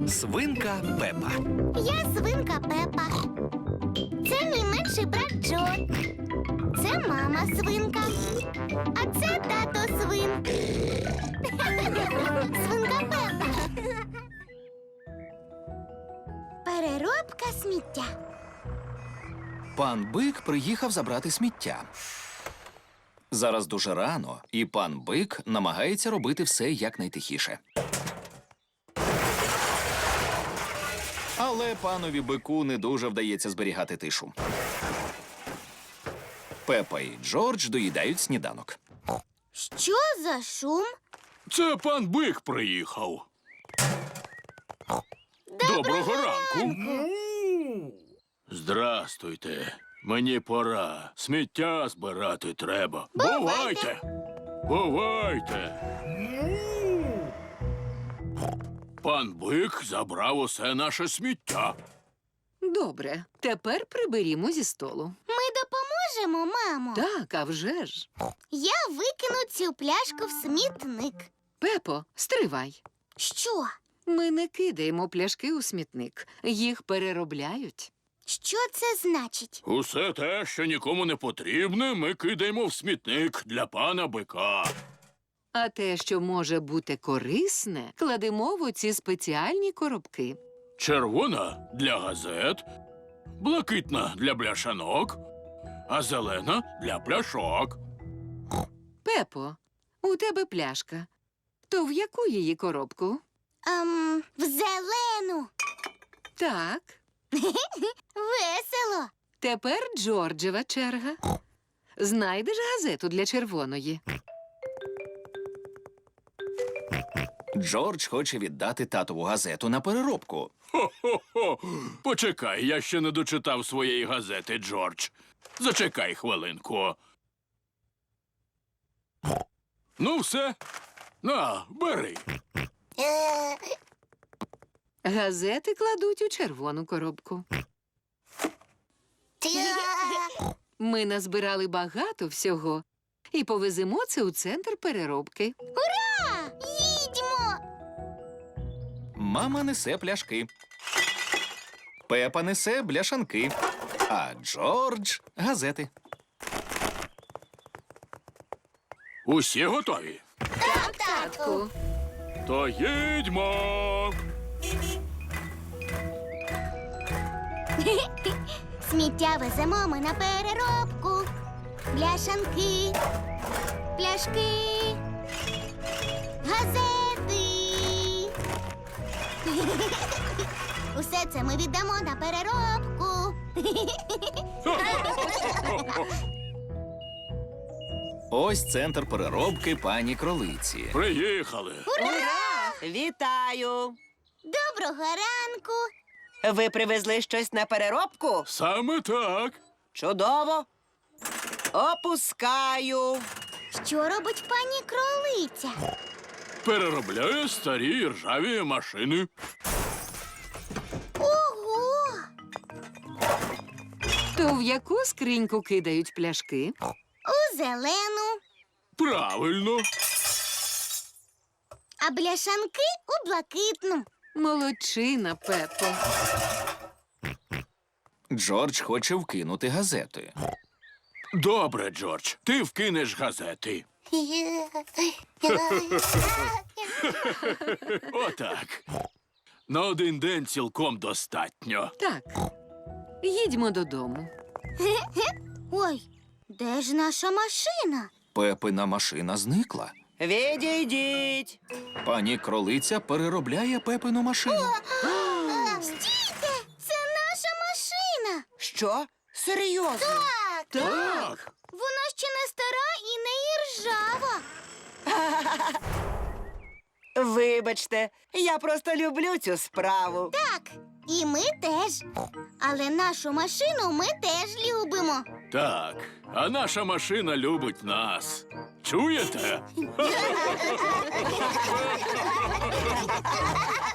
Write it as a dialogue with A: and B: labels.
A: Свинка Пепа.
B: Я свинка Пепа. Це мій менший брат Джо. Це мама свинка. А це тато свин. Свинка Пепа. Переробка сміття.
A: Пан Бик приїхав забрати сміття. Зараз дуже рано, і пан Бик намагається робити все якнайтихіше. Але панові Бику не дуже вдається зберігати тишу. Пепа і Джордж доїдають сніданок.
B: Що за шум?
C: Це пан Бик приїхав. Доброго ранку. Здрастуйте. Мені пора. Сміття збирати треба. Бувайте. Бувайте. Пан Бик забрав усе наше сміття.
D: Добре, тепер приберімо зі столу.
B: Ми допоможемо, мамо.
D: Так, а вже ж.
B: Я викину цю пляшку в смітник.
D: Пепо, стривай.
B: Що?
D: Ми не кидаємо пляшки у смітник. Їх переробляють.
B: Що це значить?
C: Усе те, що нікому не потрібне, ми кидаємо в смітник для пана Бика.
D: А те, що може бути корисне, кладемо в оці спеціальні коробки.
C: Червона – для газет, блакитна – для бляшанок, а зелена – для пляшок.
D: Пепо, у тебе пляшка. То в яку її коробку?
B: В зелену.
D: Так.
B: Весело.
D: Тепер Джорджева черга. Знайдеш газету для червоної.
A: Джордж хоче віддати татову газету на переробку.
C: Хо-хо-хо! Почекай, я ще не дочитав своєї газети, Джордж. Зачекай хвилинку. Ну, все. На, бери.
D: Газети кладуть у червону коробку. Ми назбирали багато всього і повеземо це у центр переробки.
B: Ура! Їдьмо!
A: Мама несе пляшки. Пепа несе бляшанки. А Джордж – газети.
C: Усі готові?
B: Так, татку.
C: То їдьмо!
B: Сміття веземо ми на переробку. Бляшанки, пляшки, газети. Усе це ми віддамо на переробку.
A: Ось центр переробки пані Кролиці.
C: Приїхали.
E: Ура! Вітаю!
B: Доброго ранку.
E: Ви привезли щось на переробку?
C: Саме так.
E: Чудово! Опускаю.
B: Що робить пані Кролиця?
C: Переробляє старі ржаві машини.
B: Ого!
D: То в яку скриньку кидають пляшки?
B: У зелену,
C: Правильно.
B: а бляшанки у блакитну.
D: Молодчина, Пепо.
A: Джордж хоче вкинути газети.
C: Добре, Джордж, ти вкинеш газети. Отак. На один день цілком достатньо.
D: Так, їдьмо додому.
B: Ой, де ж наша машина?
A: Пепина машина зникла.
E: Відійдіть.
A: Пані Кролиця переробляє Пепину машину.
B: Стійте! Це наша машина!
E: Що? Серйозно?
C: Так.
B: Вона ще не стара і не іржава.
E: Вибачте, я просто люблю цю справу.
B: Так, і ми теж. Але нашу машину ми теж любимо.
C: Так, а наша машина любить нас. Чуєте?